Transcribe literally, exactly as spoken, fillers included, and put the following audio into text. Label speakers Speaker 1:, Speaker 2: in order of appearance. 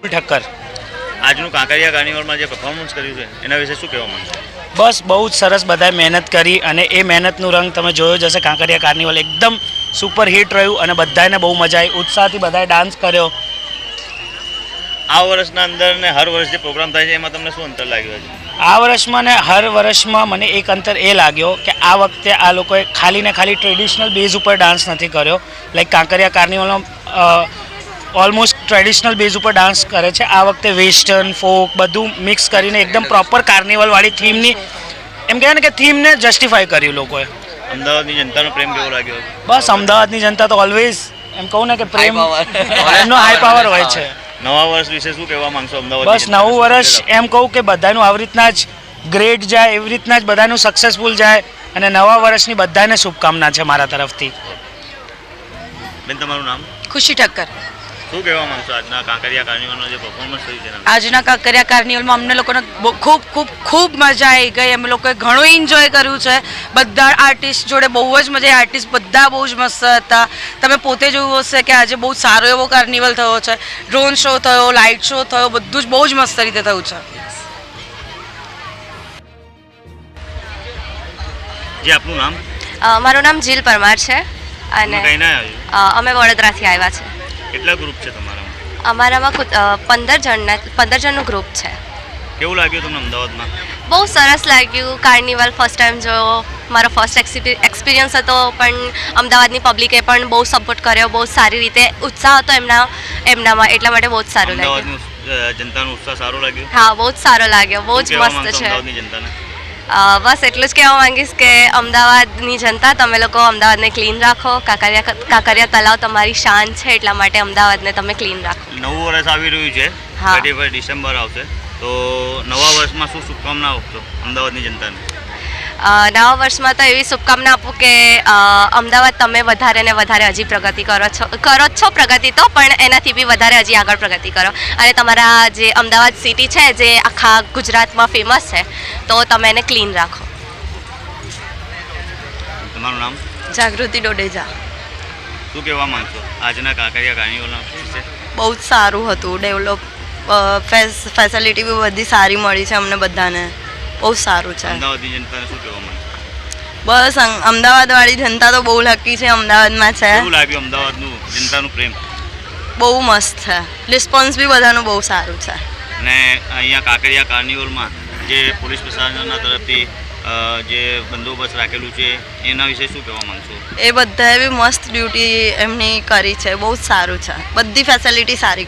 Speaker 1: ઠક્કર
Speaker 2: આજનું કાંકરિયા કાર્નિવલમાં જે પરફોર્મન્સ કર્યું છે એના વિશે શું કહેવા માંગો?
Speaker 1: બસ બહુ જ સરસ બધાએ મહેનત કરી અને એ મહેનતનું રંગ તમે જોયો જ હશે. કાંકરિયા કાર્નિવલ એકદમ સુપર હિટ રહ્યું અને બધાને બહુ મજા આવી, ઉત્સાહથી બધાએ ડાન્સ કર્યો.
Speaker 2: આ વર્ષના અંદર ને હર વર્ષ જે પ્રોગ્રામ થાય છે એમાં તમને શું અંતર લાગ્યું છે?
Speaker 1: આ વર્ષમાં ને હર વર્ષમાં મને એક અંતર એ લાગ્યો કે આ વખતે આ લોકોએ ખાલી ને ખાલી ટ્રેડિશનલ બેઝ ઉપર ડાન્સ નથી કર્યો. લાઈક કાંકરિયા કાર્નિવલમાં ઓલમોસ્ટ ટ્રેડિશનલ બેઝ ઉપર ડાન્સ કરે છે. આ વખતે વેસ્ટર્ન ફોક બધું મિક્સ કરીને એકદમ પ્રોપર કાર્નિવલવાળી થીમની એમ કહેવાય ને કે થીમને જસ્ટિફાય કર્યું લોકોએ.
Speaker 2: અમદાવાદની જનતાનો પ્રેમ કેવો લાગ્યો?
Speaker 1: બસ અમદાવાદની જનતા તો ઓલવેઝ એમ કહું ને કે પ્રેમ એમનો હાઈ પાવર હોય છે.
Speaker 2: નવા વર્ષ વિશે શું કહેવા માંગશો અમદાવાદ?
Speaker 1: બસ નવું વર્ષ એમ કહું કે બધાનું આવી રીતના જ ગ્રેટ જાય, એવી રીતના જ બધાનું સક્સેસફુલ જાય અને નવા વર્ષની બધાને શુભકામના છે મારા તરફથી.
Speaker 2: બેન તમારું નામ?
Speaker 3: ખુશી ઠક્કર.
Speaker 2: શું કહેવા માંગશો આજના કાંકરિયા કાર્નિવલનો જે પરફોર્મન્સ થયું છે?
Speaker 3: આજના કાંકરિયા કાર્નિવલમાં અમને લોકોને બહુ- ખૂબ ખૂબ ખૂબ મજા આવી ગઈ. અમે લોકોએ ઘણું એન્જોય કર્યું છે. બધા આર્ટિસ્ટ જોડે બહુ જ મજા આવી. આર્ટિસ્ટ બધા બહુ જ મસ્ત હતા. તમે પોતે જોયું હશે કે આજે બહુ સારો એવો કાર્નિવલ થયો છે. ડ્રોન શો થયો, લાઇટ શો થયો, બધું જ બહુ જ મસ્ત રીતે થયું છે.
Speaker 2: જે આપનું નામ?
Speaker 4: અ, મારું નામ જીલ પરમાર છે અને
Speaker 2: કઈ ના આવ્યું?
Speaker 4: અ, અમે વડોદરાથી આવ્યા છે.
Speaker 2: કેટલા ગ્રુપ છે તમારામાં?
Speaker 4: અમારામાં ખુદ અ, પંદર જણના પંદર જણનું ગ્રુપ છે.
Speaker 2: કેવું લાગ્યું તમને અમદાવાદમાં?
Speaker 4: બહુ સરસ લાગ્યું. કાર્નિવલ ફર્સ્ટ ટાઈમ જોયો. મારો ફર્સ્ટ એક્સપિરિયન્સ હતો, પણ અમદાવાદની પબ્લિકે પણ બહુ સપોર્ટ કર્યો. બહુ સારી રીતે ઉત્સાહ હતો એમના એમનામાં, એટલા માટે બહુ જ સારું લાગ્યું.
Speaker 2: અમદાવાદની અ, જનતાનો ઉત્સાહ સારો લાગ્યો?
Speaker 4: હા, બહુ જ સારો લાગ્યો. બહુ જ
Speaker 2: શું કહેવા
Speaker 4: મસ્ત
Speaker 2: માંગશો
Speaker 4: છે.
Speaker 2: અમદાવાદની જનતાને?
Speaker 4: અ, બસ એટલું જ કહેવા માંગીશ કે અમદાવાદની જનતા, તમે લોકો અમદાવાદને ક્લીન રાખો. કાંકરિયા કાંકરિયા તલાવ તમારી શાન છે, એટલા માટે અમદાવાદને તમે ક્લીન રાખો.
Speaker 2: નવું વર્ષ આવી રહ્યું છે,
Speaker 4: હા.
Speaker 2: થર્ટી ફર્સ્ટ ડિસેમ્બર આવશે, તો નવા વર્ષમાં શું શુભકામના આપશો અમદાવાદની જનતાને?
Speaker 4: અ, નવા વર્ષમાં તો એવી શુભકામના આપું કે અ, અમદાવાદ તમે વધારે ને વધારે હજી પ્રગતિ કરો છો કરો જ છો પ્રગતિ તો, પણ એનાથી બી વધારે હજી આગળ પ્રગતિ કરો. અને તમારા જે અમદાવાદ સિટી છે, જે આખા ગુજરાતમાં ફેમસ છે, તો તમે એને ક્લીન રાખો.
Speaker 2: તમારું નામ?
Speaker 3: જાગૃતિ ડોડેજા.
Speaker 2: શું કહેવા માંગશો આજના કાંકરિયા કાર્નિવલના વિશે?
Speaker 3: બહુ જ સારું હતું. ડેવલપ ફેસિલિટી બી બધી સારી મળી છે અમને બધાને. બહુ સારું છે.
Speaker 2: અમદાવાદની જનતાને શું કહેવા માંગશો?
Speaker 3: બસ અમદાવાદવાળી જનતા તો બહુ લકી છે, અમદાવાદમાં છે.
Speaker 2: કેવું લાગ્યું અમદાવાદનું જનતાનું પ્રેમ?
Speaker 3: બહુ મસ્ત છે. રિસ્પોન્સ બી બધાનું બહુ સારું છે.
Speaker 2: અને અહીંયા કાંકરિયા કાર્નિવલમાં જે પોલીસ પ્રશાસનના તરફથી અ, જે બંદોબસ્ત રાખેલું છે એના વિશે શું કહેવા માંગશો?
Speaker 3: એ બધાએ બી મસ્ત ડ્યુટી એમની કરી છે. બહુ જ સારું છે. બધી ફેસિલિટી સારી